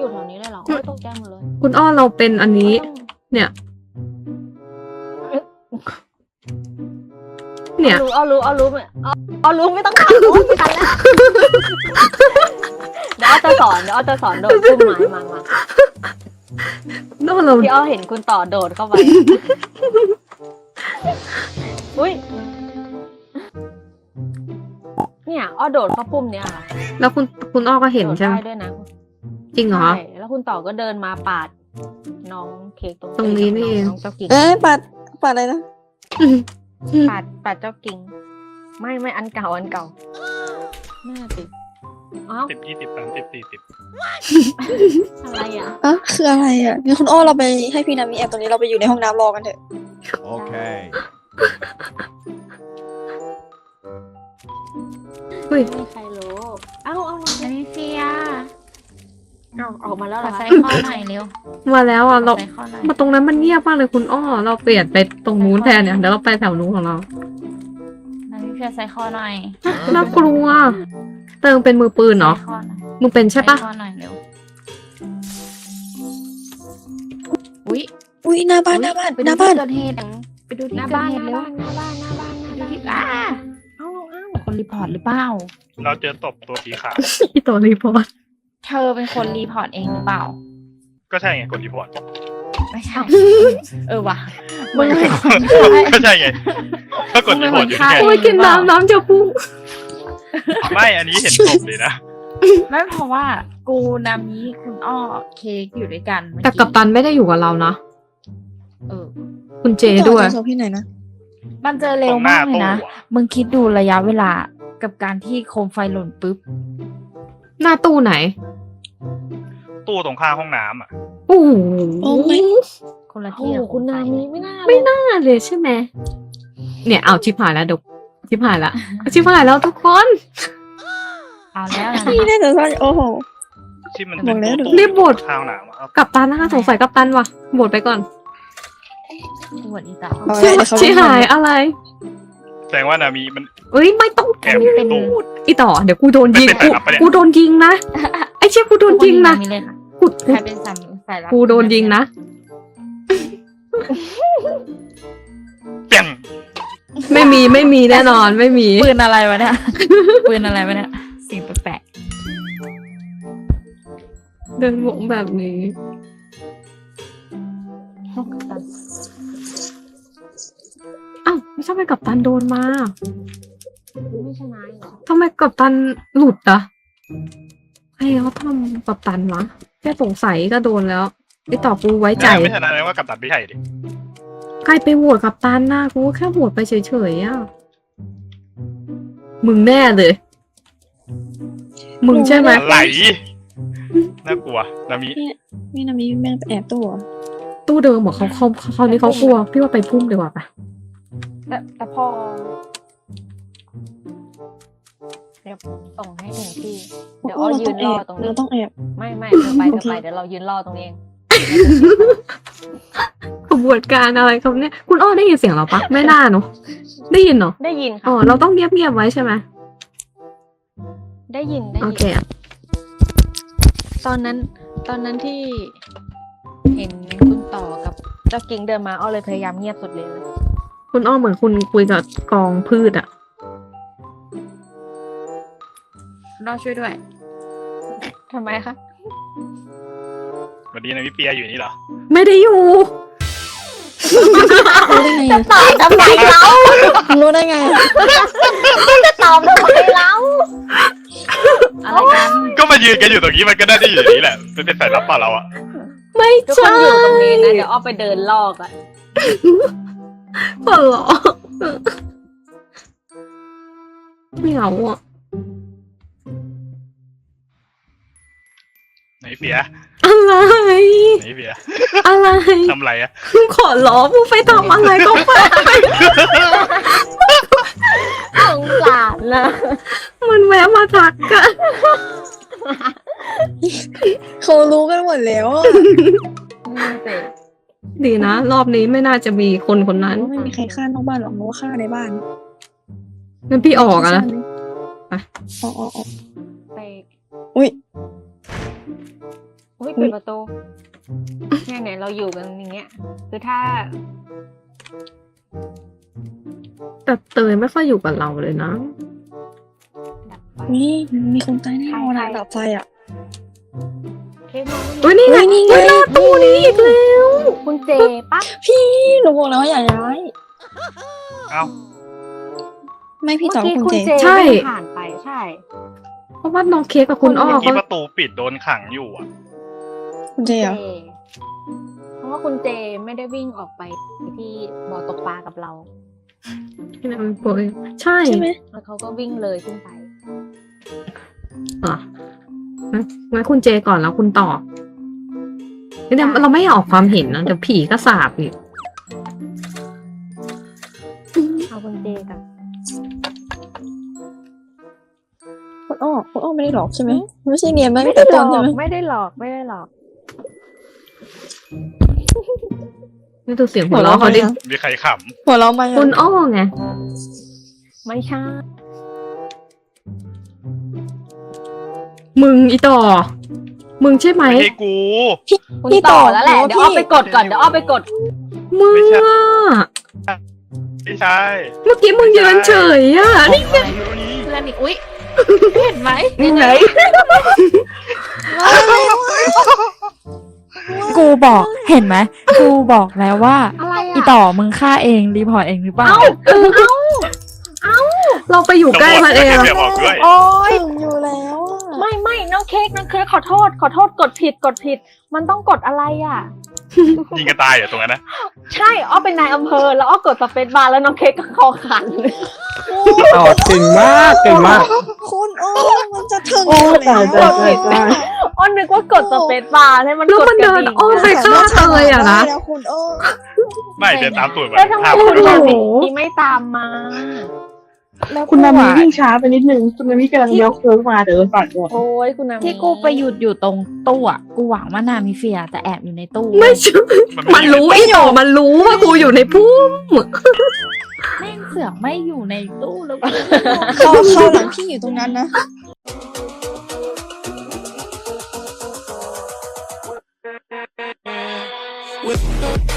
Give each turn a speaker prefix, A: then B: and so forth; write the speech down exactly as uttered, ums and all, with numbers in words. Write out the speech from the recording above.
A: อยู่แถวนี้เลยเหรอโอ้ยตกใจหมดเลย
B: คุณอ้อเราเป็นอันนี้ เนี่ย เนี่ย
A: เอารู้เอารู้เอารู้เอาเอารู้ไม่ต้องถามรู้ไม่ทันแล้วเดี๋ยวอ้อจะสอนเดี๋ยวอ้อจะสอนโดดขึ้นไม้มามา
B: นอกเรา
A: พี่อ้อเห็นคุณต่อโดดเข้าไปอุ้ยเนี่ยอ้อโดดเข้าปุ่มเนี่ยค่ะ
B: แล้วคุณคุณอ้อก็เห็น
A: โดด
B: ใช่ไหม
A: ได้ด้วยนะ
B: จริงเหรอ
A: ใช่แล้วคุณต่อก็เดินมาปาดน้องเค้กตรง
B: ตรงนี้นี่เอง
A: น้องเจ้ากิ่ง
C: เอ๊ะปัดปัดอะไรนะ
A: ปาดปาดเจ้ากิ่งไม่ไม่อันเก่าอันเก่าน่าติดอ้าว
D: สิบยี่สิบสามสิบสี่สิบ
A: อะไรอ่ะ
C: อ่ะคืออะไรอ่ะงั้นคุณอ้อเราไปให้พี่นามีแอบตรงนี้เราไปอยู่ในห้องน้ำรอกันเถอะ
E: Okay.
B: เฮ้ย
A: ไม่มีใครรู้เอ้าเอา
F: อันนี้เฟีย
A: เอาออกมาแล้วเห
F: ข
A: ร
F: อ
A: อคะ
F: ใส่ข้อหน่อยเร็ว
B: มาแล้วอ่ะเรา
F: ใส่ข้อหน่อย
B: มาตรงนั้นมันเงียบมากเลยคุณอ้อ เราเปลี่ยนไปตรงนู้นแทนเนี่ยเดี๋ยวเราไปแถวนู้นของเรา
F: อันนี้เฟียใส่ข้อหน่อย
B: น่ากลัวเติงเป็นมือปืนเนาะ
F: ใส่ข้อหน่อย
B: มึงเป็นใช่ปะ
F: ใส่ข้อหน่อยเร็วอุ้ย
C: อุ้ยหน้าบ้านหน้าบ้าน
F: ไป
C: ห
F: ดู
C: น้าบ้า
F: ที่
C: น
F: เกิดเหตุไปดูที่
A: หน้า
F: เกิด
A: บ้าน
F: เห
A: ห
F: ตุ
A: น้า
F: เร็ว
A: บ้านหน้าบ้านหน้าบ้านหน้า
F: ดู
A: บ้าน
F: ที่อ้า
A: เอ้าเอ้า
F: คนรีพอร์ตหรือเปล่า
D: เราเจอตบตัวสีขาว
B: อีตัวรีพอร์ต
F: เธอเป็นคนรีพอร์ตเองหรือเปล่า
D: ก็ใช่ไงกดรีพอร์ต
F: ไม่ใช่ เออว่ะมึงเป็นคน
D: ก็ใช่ไงก็กดรีพอร์ตอยู่ที่ไง
B: โอ้ยกินน้ำน้ำจะพุ่ง
D: ไม่อันนี้เห็นตบเลยนะ
F: ไม่เพราะว่ากูนามิคุณอ้อเค้กอยู่ด้วยกันเมื่อ
B: แต่กัปตันไม่ได้อยู่กับเรานะ
F: เออ
B: คุณเจด้วย
C: ต่อจากโซพี่ไหนนะ
F: มันเจอเร็วมากเลยนะ มึงคิดดูระยะเวลากับการที่โคมไฟหล่นปุ๊บ
B: หน้าตู้ไหน
D: ตู้ตรงข้างห้องน้ำอ่ะ
B: โอ้โห
C: โอ้ไม่
F: คนละ
A: โอ้
F: ที่
A: โห
F: กับ
A: คุณนา
F: โฟ
A: มี
F: เลย
A: ไม่น่า
B: ไม่น่าเลยใช่ไหมเนี่ยเอาชิบหายแล้วดกชิบหายแล้วชิบหายแล้วทุกคน
F: เอาแล้วนะ
C: พี่น่าจะซ่อนโอ้โห
D: ที่มันเป็น
C: บอกแล้ว
D: ตู้
B: รีบโหวต
D: ข้างห้องน้ำอะ
B: กัปตันนะคะสงสัยกัปตันว่ะโหวตไปก่อน
F: ปวดอีตา
C: เอา
B: ชิ
C: ไว้เดี๋ยวเขา
B: ชิหายอะไร
D: แสดงว่านามีมัน
B: เอ้ยไม่ต้อง
D: แอบอยู่ในตู้
B: พูดอีต่อเดี๋ยวกูโดนยิง
D: ไม่เป็น
B: กู
D: สายลับปะเนี่ย
B: กูโดนยิงนะไอ้เชี่ยกูโดนยิงนะ
F: มีเล่นอะ
B: กู
F: ใครเป็นสามสายลับ
B: กูโดนยิงนะ
D: เปี่ยง
B: ไม่มีไม่มีแน่นอนไม่มี
F: ปืนอะไรวะเนี่ย ปืนอะไรวะเนี่ย สิ่งแปลก
B: เดินวงแบบนี้ อ้าวไม่ใช่ไปกัปตันโดนมา
A: ไม่ชนะเหรอ
B: ทำไมกัปตันหลุดอ่ะใครเขาทำกัปตันวะแค่สงสัยก็โดนแล้วไอต่อกูไว้ใจ
D: ไม่ชนะแสดงว่ากับตัดไม่ใช่ดิ
B: ใครไปโหวตกัปตันน่ะกูก็แค่โหวตไปเฉยๆอ่ะมึงแน่เลย มึงใช่ไหม
D: อะไรน่ากลัวนามี
C: พี่นามีแม่งไปแอบตู้เหรอ
B: ตู้เดิมเหรอเขาเขาเขานี้เขากลัวพี่ว่าไปพุ่มดีกว่าปะ
A: แต่แต่พอเดี๋ยวส่งให้ถึงที่ เดี๋ยวอ้อ
C: เรา
A: ยื
C: ต้อน งแอ
A: รอบ ตรงนี้
C: เราต้องแอบ
A: ไม่ไม่เธอไปเธอ
C: โอเค
A: ไปเดี๋ยวเรายืนรอตรงนี้เอง
B: ขบวนการอะไรครับเนี่ยคุณอ้อได้ยินเสียงเราปะไม่น่าเนอะได้ยินเนาะ
A: ได้ยิน
B: อ๋
A: ค่ะ
B: อเราต้องเงียบๆไว้ใช่ไหม
A: ได้ยินได้
B: โอ
A: ยิ
B: เคอะ
A: ตอนนั้น ตอนนั้นที่ เห็นคุณต่อกับเจ้ากิ่งเดินมาอ้อเลยพยายามเงียบสุดเลย
B: คุณอ้อเหมือนคุณคุยกับกองพืชอะ
F: ๆรอช่วยด้วย
A: ทำไมคะ
D: วันนี้นามีเปียอยู่นี่เหรอ
B: ไม่ได้อยู่
C: รู้ได้ไงอะ
A: ตอบทำไมเรา
C: รู้ได้ไงอะ
A: จะตอบทำไมเราอะไรกัน
D: ก็มายืนกันอยู่ตรงนี้มันก็ได้ได้อยู่อย่างนี้แหละเป็นเป็นสายลับเปล่าเราอะ
B: ไม่
A: ทุกค
B: ใช่
A: นอยู่ตรงนี้นะเดี๋ยวอ้อไปเดินลอกอะ
B: เปล่าหรอไม่เอาอะ
D: ไหนเปีย
B: อะไร
D: ไหนเปีย
B: อะไร
D: ทำไรอะ
B: ขอร้องมึงไปทำอะไรก็ไป
A: สงสารนะ
B: มันแวะมาทักกัน
C: เขารู้กันหมดแล้วอะ
A: นี่สิ
B: ดีนะ รอบนี้ไม่น่าจะมีคนคนนั้น
C: ไม่มีใครฆ่านอกบ้านหรอกเพราะว่าฆ่าในบ้าน
B: งั้นพี่ออกอะนะ ไป
C: อ๋ออ๋ออ๋อ
A: ไป
C: อุ้ย
A: อุ้ยปิดประตูเนี่ยเนี่ยเราอยู่กันอย่างเงี้ย คือถ้า
B: แต่เตยไม่ค่อยอยู่กับเราเลยนะ
A: ดับไฟ
C: นี่มีคนตายแน่นอนอะ
A: ใครๆ
C: ดับไฟอ่ะ
A: เค้กมอง
B: อุ้ยนี่ไง
C: เฮ้ยนี่ไง
B: เฮ้ยหน้าตู้นี้อีกแล้ว
A: คุณเจปั๊บ
C: พี่หนูบอกแล้วว่าอย่าย้าย
D: เอ้า
C: ไม่พี่
A: เมื่
C: ต่อ
A: อกี้
C: คุณ
A: คุณ
C: เจ
A: เจ
B: ใช่
A: วิ่งผ่านไปใช่
B: เพราะว่าน้องเค้กกับคุณอ้อ
D: เมื่อกี้
B: เขา
D: ประตูปิดโดนขังอยู่อ่ะ
C: คุณเจ
A: เจ
C: เหรอ
A: เพราะว่าคุณเจไม่ได้วิ่งออกไปที่บ่อตกปลากับเรา
B: ที่นั่นโปรยใช่
C: ใช่ไหม
A: แล้วเขาก็วิ่งเลยขึ้นไป
B: เหรองั้นงั้นคุณเจก่อนแล้วคุณต่อเดี๋ยว
A: ได้
B: เราไม่ออกความเห็นนะเดี๋ยวผีก็สาบอีก
A: เอาคุณเจกับ
C: คุณอ้อคุณอ้อไม่ได้หลอกใช่ไหมไม่ใช่เนียนไหม
A: ไม่
C: แต่
A: ได้หล
C: ต้
A: อน
C: ใช่ไหม
A: กไม่ได้หลอกไม่ได้หลอก
B: นี่ดูเสียงหัวเราะเขาดิ
D: มีใครข
C: หัวเราะมา
B: คุณอ้อไง
A: ไม่ใช่
B: มึงอีต่อ มึงใช่ไหม
D: ำไม่ใช่กู
A: คุณต่อแล้วแหละ เดี๋ยวอ้อไปกดก่อน เดี๋ยวอ้อไปกด
B: มึง
D: ไม่ใช่
B: อะ
D: ไม่ใช่
B: เมื่อกี้มึงยืนเฉยอ่ะนี่
A: เพื่อนนี่อุ๊ย เห็นไหม
B: นี่ไง
F: กูบอกเห็นไหมกูบอกแล้วว่า
A: อะไร
F: อี
A: อ่ะ
F: ต่อมึงฆ่าเองรีพอร์ตเองหรือเปล่า
B: เราไปอยู่ใกล้มันเอง
D: เดี๋ยวบอกด้วย
A: โอ๊ย
C: ถึงอยู่แล้วอะ
A: ไม่ไม่น้องเค้กน้องเค้กขอโทษ ขอโทษกดผิดกดผิด มันต้องกดอะไรอ่ะ
D: ยิงกันตายเหรอตรงนั้นนะ
A: ใช่อ้อเป็นนายอำเภอ แล้วอ้อกดสเปซบาร์แล้วน้องเค้กก็คอขัน
E: ต่อเก่งมากเก่งมาก
C: คุณอ้อมันจะถึง
E: โอ้
C: อยู่
E: ตาย
C: แล้ว
E: ตายตายตาย
A: อ้อนึกว่ากดสเปซบาร์ให้มัน
B: แล้ว
A: กด
B: มัน
A: กระ
B: เดิน
A: ดิ่ง
B: อ้อมไปฆ่าเตยอ่ะนะ
C: แล้วคุณอ้อ
D: ไม่เดินตามตูดเหมือ
A: แล้ว
D: น
A: ทำไม
D: ภาพ
A: คุณ
D: มัน
A: นา
D: ไม่
A: มิไม่ตามมา
F: แล้ว
E: คุณนามิ
F: กูอะ
E: วิ่งช้าไปนิดนึงคุณนามิกำลังเลี้ยวโค้งมาเดี๋ยวปัดก่อน
A: โอ้ยคุณนามิ
F: ที่กูไปหยุดอยู่ตรงตู้อะกูหวังว่านามิเฟียจะแอบอยู่ในตู้
B: ไม่ใช่ มันรู้อีต่อมันรู้ว่ากูอยู่ในพุ่ม
F: แม่งเสือกไม่อยู่ในตู้แล้วกู
C: เขาเขาหลังพี่อยู่ตรงนั้นนะ
G: With